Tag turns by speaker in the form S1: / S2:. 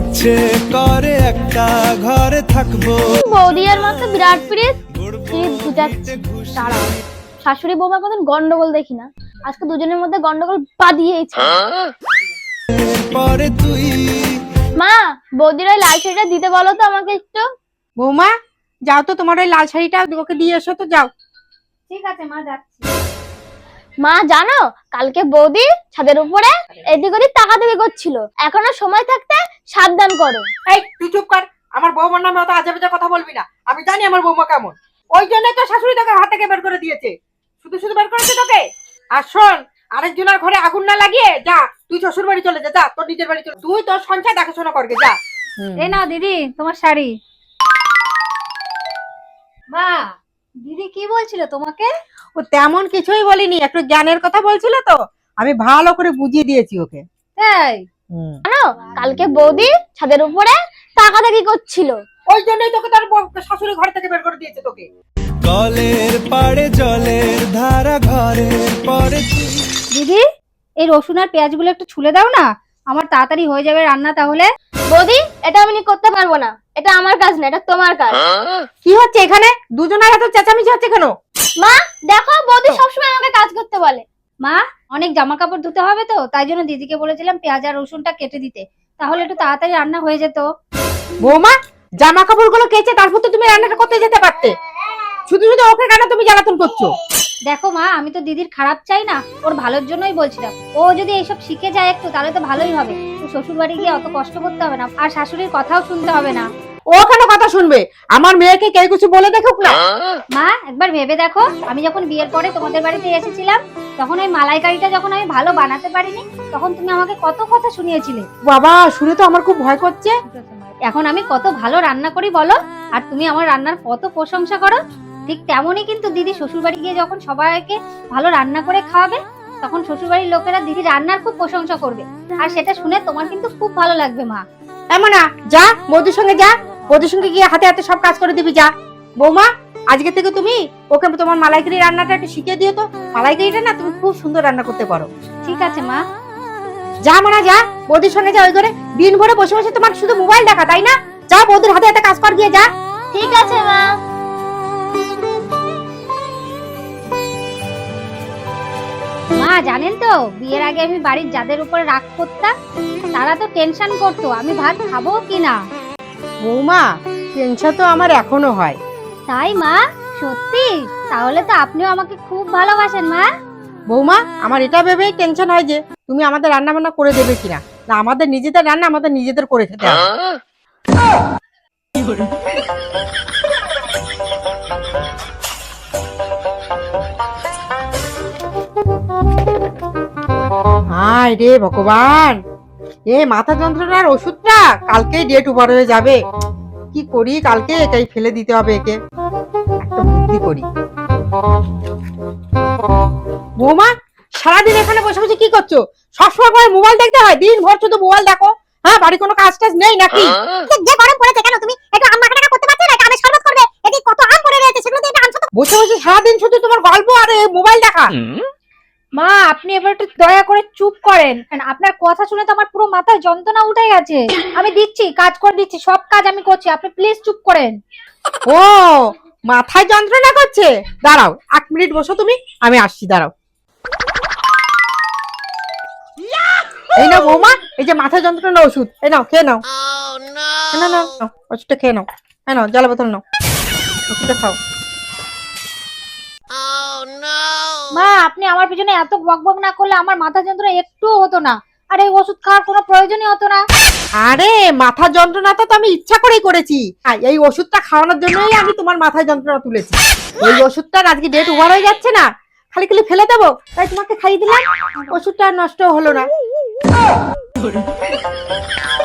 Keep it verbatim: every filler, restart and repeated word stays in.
S1: ইচ্ছে করে একটা ঘরে থাকবো।
S2: বৌদি আর মা তো বিরাট পিরিত শীত বুঝাচ্ছে। দাঁড়াও, শাশুড়ি বৌমা কোনদিন গন্ডগোল দেখি না, আজকে দুজনের মধ্যে গন্ডগোল বাঁধিয়েছে।
S1: পরে তুই
S2: মা, বৌদির ওই লাল শাড়িটা দিতে বলো তো আমাকে একটু।
S3: বৌমা যাও তো, তোমার ওই লাল শাড়িটা ওকে দিয়ে এসো তো, যাও।
S2: ঠিক আছে মা, যাচ্ছি। মা জানো, কালকে বৌদি ছাদের উপরে এদিক ওদিক তাকাতাকি করছিল। এখনো সময় থাকতে সাবধান করো।
S3: এই তুই চুপ কর, আমার বৌমার নামে অত আজে বাজে কথা বলবি না। আমি জানি আমার বৌমা কেমন, ওই জন্যই তো শাশুড়ি তোকে হাত থেকে বের করে দিয়েছে। শুধু শুধু বের করেছে তোকে। আর শোন, আরেকজনের ঘরে আগুন না লাগিয়ে যা, তুই শ্বশুর বাড়ি চলে যা, যা তোর নিজের বাড়ি চলে। তুই তোর সংসার দেখাশোনা করবে, যা।
S4: এই নাও দিদি তোমার শাড়ি। মা, দিদি কি বলছিল তোমাকে?
S3: ও তেমন কিছুই বলিনি, একটু জ্ঞানের কথা বলছিল তো, আমি ভালো করে বুঝিয়ে দিয়েছি ওকে।
S4: তাই?
S2: জানো, কালকে বৌদি ছাদের উপরে তাকাতাকি করছিল।
S3: ওই জন্যই তোকে তোর শাশুড়ি ঘর থেকে বের করে দিয়েছে তোকে।
S1: কলের পাড়ে জলের ধারা, ঘরের পরে তুই।
S4: দিদি, এই রসুন আর পেঁয়াজগুলো একটু ছুলে দাও না, আমার তাড়াতাড়ি হয়ে যাবে রান্না। তাহলে
S2: বৌদি, এটা আমি করতে পারবো না, এটা আমার কাজ না, এটা তোমার কাজ।
S3: কি হচ্ছে এখানে? দুজনের এত চেঁচামেচি হচ্ছে কেন?
S2: মা দেখো, বৌদি সবসময় আমাকে কাজ করতে বলে।
S4: মা, অনেক জামা কাপড় ধুতে হবে তো, তাই জন্য দিদিকে বলেছিলাম পেঁয়াজ আর রসুনটা কেটে দিতে, তাহলে একটু তাড়াতাড়ি রান্না হয়ে যেত।
S3: বৌমা, জামা কাপড় গুলো কেচে তারপর তো তুমি রান্নাটা করতে যেতে পারতে, শুধু শুধু ওকে কেন তুমি জ্বালাতন করছো?
S4: দেখো মা, আমি তো দিদির খারাপ চাই না, ওর ভালোর জন্যই বলছিলাম। ও যদি এইসব শিখে যায় একটু, তাহলে তো ভালোই হবে। তো শ্বশুর বাড়ি গিয়ে অত কষ্ট করতে হবে না, আর শাশুড়ির কথাও শুনতে হবে না।
S3: ও কেন কথা শুনবে? আমার মেয়েকে কেউ কিছু বলে দেখুক না।
S4: মা, একবার ভেবে দেখো, আমি যখন বিয়ের পরে তোমাদের বাড়িতে এসেছিলাম, তখন ওই মালাইকারিটা যখন আমি ভালো বানাতে পারিনি, তখন তুমি আমাকে কত কথা শুনিয়েছিলে।
S3: বাবা, শুনে তো আমার খুব ভয় করছে।
S4: এখন আমি কত ভালো রান্না করি বলো, আর তুমি আমার রান্নার কত প্রশংসা করো। ঠিক তেমনই কিন্তু দিদি শ্বশুর বাড়ি গিয়ে যখন সবাইকে ভালো রান্না করে খাওয়াবে, তখন শ্বশুর বাড়ির লোকেরা দিদি রান্নার খুব প্রশংসা করবে, আর সেটা শুনে তোমার কিন্তু খুব ভালো লাগবে। মা,
S3: এমন না, যা বৌদির সঙ্গে যা, বৌদির সঙ্গে গিয়ে হাতে হাতে সব কাজ করে দিবি, যা। বৌমা, আজকে থেকে তুমি ওকে তোমার মালাইকারি রান্নাটা একটু শিখিয়ে দিও তো। মালাইকারিটা না তুমি খুব সুন্দর রান্না করতে পারো।
S4: ঠিক আছে মা।
S3: যা মানা, যা বৌদির সঙ্গে যা। ওই ঘরে দিন ভরে বসে বসে তোমার শুধু মোবাইল দেখা, তাই না? যা বৌদির হাতে হাতে কাজ কর গিয়ে, যা।
S2: ঠিক আছে মা।
S4: মা জানেন তো, বিয়ের আগে আমি বাড়ির যাদের উপরে রাগ করতাম, তারা তো টেনশন করতো আমি ভাত খাবো কিনা।
S3: বৌমা, টেনশন তো আমার এখনো হয়।
S4: তাই মা? সত্যি? তাহলে তো আপনিও আমাকে খুব ভালোবাসেন মা।
S3: বৌমা, আমার এটা ভেবেই টেনশন হয় যে তুমি আমাদের রান্না বান্না করে দেবে কিনা। না, আমাদের নিজেদের রান্না আমাদের নিজেদের করে খেতে হবে। হায় রে ভগবান, এ মাথা যন্ত্রণার ওষুধটা কালকেই ডেট ওভার হয়ে যাবে। কি করি, কালকে এটাই ফেলে দিতে হবে একে। একটা বুদ্ধি করি। বৌমা, সারাদিন এখানে বসে বসে কি করছো? সবসময় করে মোবাইল দেখতে হয়? দিন ভর শুধু মোবাইল দেখো। হ্যাঁ, বাড়ি কোনো কাজ টাজ নেই নাকি?
S5: যে গরম পড়েছে, কেন তুমি একটু আম মাখা টাকা করতে পারছো না? আমের শরবত করবে, এদিকে কত আম পড়ে রয়েছে, সেগুলো দিয়ে আনছো তো।
S3: বসে বসে সারাদিন শুধু তোমার গল্প আর মোবাইল দেখা।
S4: মা, আপনি এবার একটু দয়া করে চুপ করেন, আপনার কথা শুনে তো আমার পুরো মাথায় যন্ত্রণা উঠে গেছে। আমি দিচ্ছি, কাজ করে দিচ্ছি, সব কাজ আমি করছি, আপনি প্লিজ চুপ করেন।
S3: ও, মাথায় যন্ত্রণা করছে? দাঁড়াও এক মিনিট বসো তুমি, আমি আসছি, দাঁড়াও। এই নাও বৌমা, এই যে মাথায় যন্ত্রণা ওষুধ, এই নাও, খেয়ে নাও। না না, ওষুধটা খেয়ে নাও। হ্যাঁ নাও, জল বোতল নাও, ওষুধটা খাও।
S4: মা, আপনি আমার পিছনে এত বকবক না করলে আমার মাথা যন্ত্রণা একটুও হতো না, আর এই ওষুধ খাওয়ার কোনো প্রয়োজনই হতো না।
S3: আরে, মাথা যন্ত্রণাটা তো আমি ইচ্ছা করেই করেছি। এই ওষুধটা খাওয়ানোর জন্যই আমি তোমার মাথায় যন্ত্রণা তুলেছি। এই ওষুধটার আজকে ডেট ওভার হয়ে যাচ্ছে না, খালি খালি ফেলে দেবো, তাই তোমাকে খাইয়ে দিলাম। ওষুধটা নষ্ট হলো না।